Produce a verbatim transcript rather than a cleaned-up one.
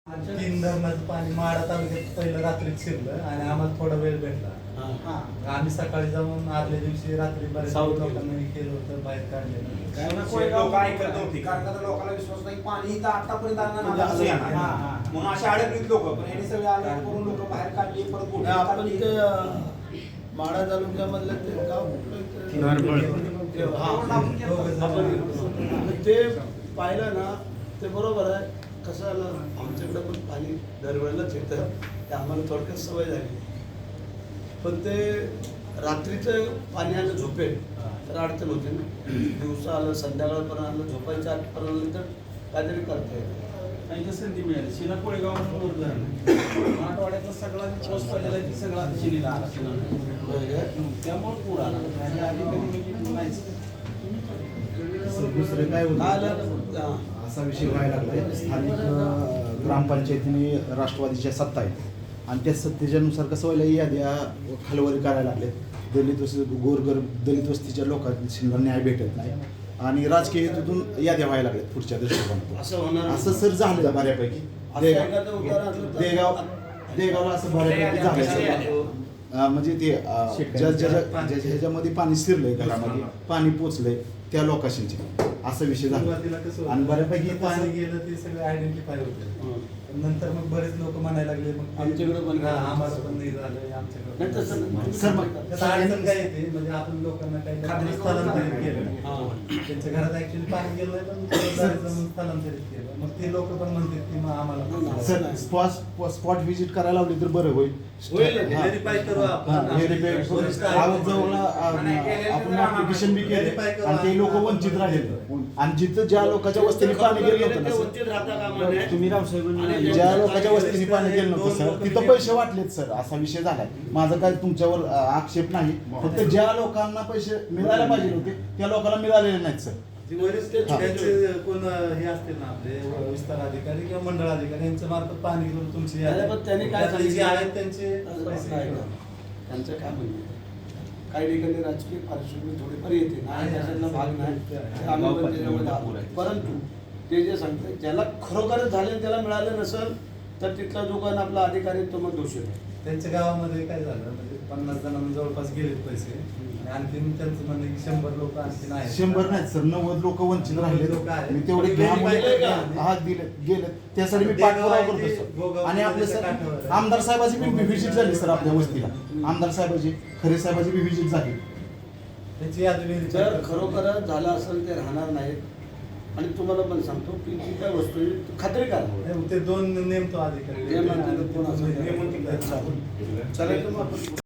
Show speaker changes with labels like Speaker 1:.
Speaker 1: तीन धरणाचं पाणी माडा तालुक्यात पहिलं रात्रीत शिरलं आणि आम्हाला थोडा वेळ भेटला. आम्ही सकाळी जाऊन आदल्या दिवशी रात्री बरेच लोकांना हे केलं होतं, बाहेर काढलेलं.
Speaker 2: लोक ऐकत नव्हती कारण का लोकांना विश्वास नाही पाणी इथं आतापर्यंत आणलं ना असं येणार म्हणून अशा अडकलीत लोक पण यांनी सगळे आले करून लोक बाहेर काढली परत बोटी
Speaker 3: आपण
Speaker 2: काढली.
Speaker 3: ते माडा तालुक्यामधलं ते गाव कुठलं ते पाहिलं ना ते बरोबर आहे. कसं आलं आमच्याकडे पण पाणी दरवेळेलाच येतं ते आम्हाला थोडक्यात सवय झाली. पण ते रात्रीचं पाणी आलं झोपेल तर अडचण होते ना. दिवसा आलं संध्याकाळपर्यंत आलं झोपायच्या आतपर्यंत आलं तर काहीतरी करता येतं.
Speaker 4: त्यांची संधी मिळाली. शिला कोळेगाव म्हणून धरण मराठवाड्याचा सगळा पाऊस पडलेला आहे ती सगळा शिलीला आला. त्यामुळे पूर आला. त्याच्या आधी कधी म्हणजे नाहीच.
Speaker 5: दुसरं काय होतं असा विषय व्हायला लागलाय. स्थानिक ग्रामपंचायतीने राष्ट्रवादीच्या सत्ता आहेत आणि त्या सत्तेच्यानुसार कसं व्हायला याद्या हलवारी करायला लागले. दलित वस्ती गोरगर दलित वस्तीच्या लोकांना न्याय भेटत नाही आणि राजकीय हेतूतून याद्या व्हायला लागल्यात पुढच्या दृष्टिकोनातून.
Speaker 3: असं होणार
Speaker 5: असं सर झालं बऱ्यापैकी. देगाव देगावला असं बऱ्यापैकी झालं. म्हणजे ते ज्या ज्या ह्याच्यामध्ये पाणी शिरलंय घरामध्ये पाणी पोचलंय त्या लोकांचे असा विषय झाला आणि बऱ्यापैकी
Speaker 1: पाणी गेलं ते सगळं आयडेंटिफाय होतं. नंतर मग बरेच लोक म्हणायला लागले मग
Speaker 3: आमच्याकडे पण
Speaker 1: आम्हाला पण नाही झालं आमच्याकडे.
Speaker 5: सर मग
Speaker 1: अडचण काय येते म्हणजे आपण लोकांना काही स्थलांतरित केलं. त्यांच्या घरात ऍक्च्युअली पाणी गेलं नाही पण स्थलांतरित केलं. मग ते लोक पण म्हणतात की मग आम्हाला
Speaker 5: सर स्पॉट स्पॉट व्हिजिट करायला लावली तर बरं होईल.
Speaker 1: व्हेरीफाय करू आपण.
Speaker 5: आपण ऍप्लिकेशन बी केले आणि ते लोक वंचित राहिले आणि जिथं ज्या लोकांच्या वस्तीने पाणी गेलं नव्हतं ना
Speaker 3: तुम्ही रावसाहेबांनी
Speaker 5: ज्या लोकांच्या वस्तीने पाणी गेलं नव्हतं सर तिथं पैसे वाटलेत सर असा विषय झालाय. माझा काही तुमच्यावर आक्षेप नाही. फक्त ज्या लोकांना पैसे मिळायला पाहिजे होते त्या लोकांना मिळालेले नाहीत सर.
Speaker 1: त्यांचे कोण हे असतील ना आपले विस्तार अधिकारी किंवा मंडळ अधिकारी यांच्या मार्फत पाणी घेऊन तुमची
Speaker 3: त्यांनी काय
Speaker 1: आहेत त्यांचे
Speaker 3: त्यांचं काय म्हणणं काही ठिकाणी राजकीय पार्श्वभूमी थोडीफार येते नाही त्याच्यातला भाग नाही आम्ही पण त्याच्यामध्ये आलो. परंतु ते जे सांगतात ज्याला खरोखरच झाले त्याला मिळालं नसेल तर तिथला जो काही आपला अधिकारी तो मग दोषी आहे.
Speaker 1: त्यांच्या गावामध्ये काय झालं म्हणजे पन्नास जणांना जवळपास गेलेत पैसे आणि आणखीन त्यांचं म्हणणं की शंभर लोक आणखीन आहेत.
Speaker 5: शंभर नाही सर नव्वद लोक वंचित राहिले. मी तेवढे हा दिले गेले त्यासाठी मी पाठपुरावा करतो सर. आणि आपले सर आमदार साहेबाची बी व्हिजिट झाली सर आपल्या वस्तीला. आमदार साहेबाची खरे साहेबाची बी व्हिजिट झाली.
Speaker 1: त्याची यादी
Speaker 3: जर खरोखरच झालं असेल ते राहणार नाहीत. आणि तुम्हाला पण सांगतो की जी काय वस्तू आहे खात्री करा.
Speaker 1: ते दोन नेमतो अधिकारी
Speaker 3: चालेल.